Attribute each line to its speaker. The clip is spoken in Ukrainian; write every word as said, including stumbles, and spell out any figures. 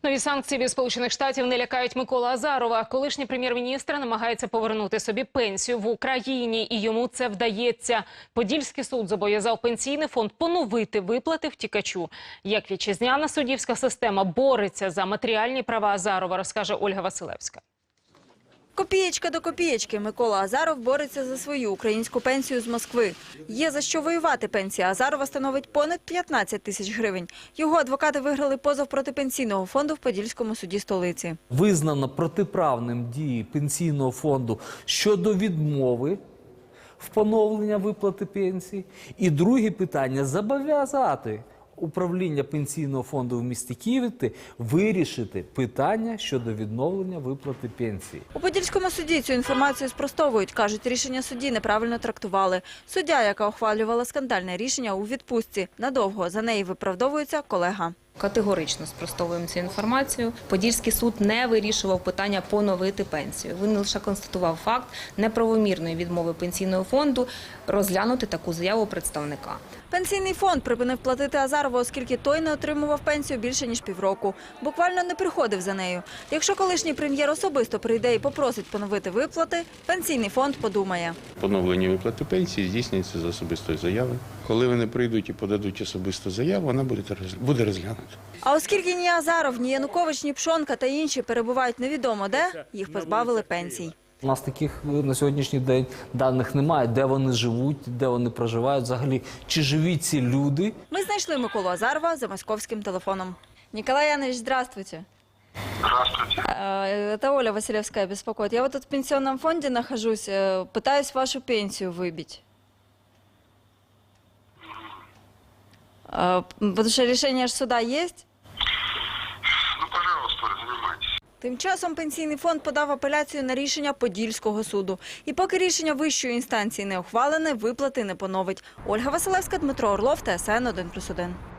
Speaker 1: Нові санкції від Сполучених Штатів не лякають Миколу Азарова. Колишній прем'єр-міністр намагається повернути собі пенсію в Україні, і йому це вдається. Подільський суд зобов'язав пенсійний фонд поновити виплати втікачу. Як вітчизняна суддівська система бореться за матеріальні права Азарова, розкаже Ольга Василевська.
Speaker 2: Копієчка до копієчки. Микола Азаров бореться за свою українську пенсію з Москви. Є за що воювати. Пенсія Азарова становить понад п'ятнадцять тисяч гривень. Його адвокати виграли позов проти пенсійного фонду в Подільському суді столиці.
Speaker 3: Визнано протиправним дії пенсійного фонду щодо відмови в поновлення виплати пенсії. І друге питання – зобов'язати управління пенсійного фонду в місті Києві вирішити питання щодо відновлення виплати пенсії.
Speaker 2: У Подільському суді цю інформацію спростовують. Кажуть, рішення судді неправильно трактували. Суддя, яка ухвалювала скандальне рішення, у відпустці. Надовго за неї виправдовується колега.
Speaker 4: Категорично спростовуємо цю інформацію. Подільський суд не вирішував питання поновити пенсію. Він лише констатував факт неправомірної відмови пенсійного фонду розглянути таку заяву представника.
Speaker 2: Пенсійний фонд припинив платити Азарову, оскільки той не отримував пенсію більше ніж півроку. Буквально не приходив за нею. Якщо колишній прем'єр особисто прийде і попросить поновити виплати, пенсійний фонд подумає.
Speaker 5: Поновлення виплати пенсії здійснюється за особистою заявою. Коли вони прийдуть і подадуть особисту заяву, вона буде розглянута.
Speaker 2: А оскільки ні Азаров, ні Янукович, ні Пшонка та інші перебувають невідомо де, їх позбавили пенсій.
Speaker 3: У нас таких на сьогоднішній день даних немає, де вони живуть, де вони проживають, взагалі, чи живі ці люди.
Speaker 2: Ми знайшли Миколу Азарова за московським телефоном. Николай Янович, здравствуйте.
Speaker 6: Здравствуйте.
Speaker 2: Это Оля Василевская беспокоит. Я вот тут в пенсионном фонде нахожусь, пытаюсь вашу пенсию выбить. Потому что решение суда есть?
Speaker 6: Ну, пожалуйста, занимайтесь.
Speaker 2: Тим часом пенсійний фонд подав апеляцію на рішення Подільського суду. І поки рішення вищої інстанції не ухвалене, виплати не поновить. Ольга Василевська, Дмитро Орлов, Т С Н один плюс один.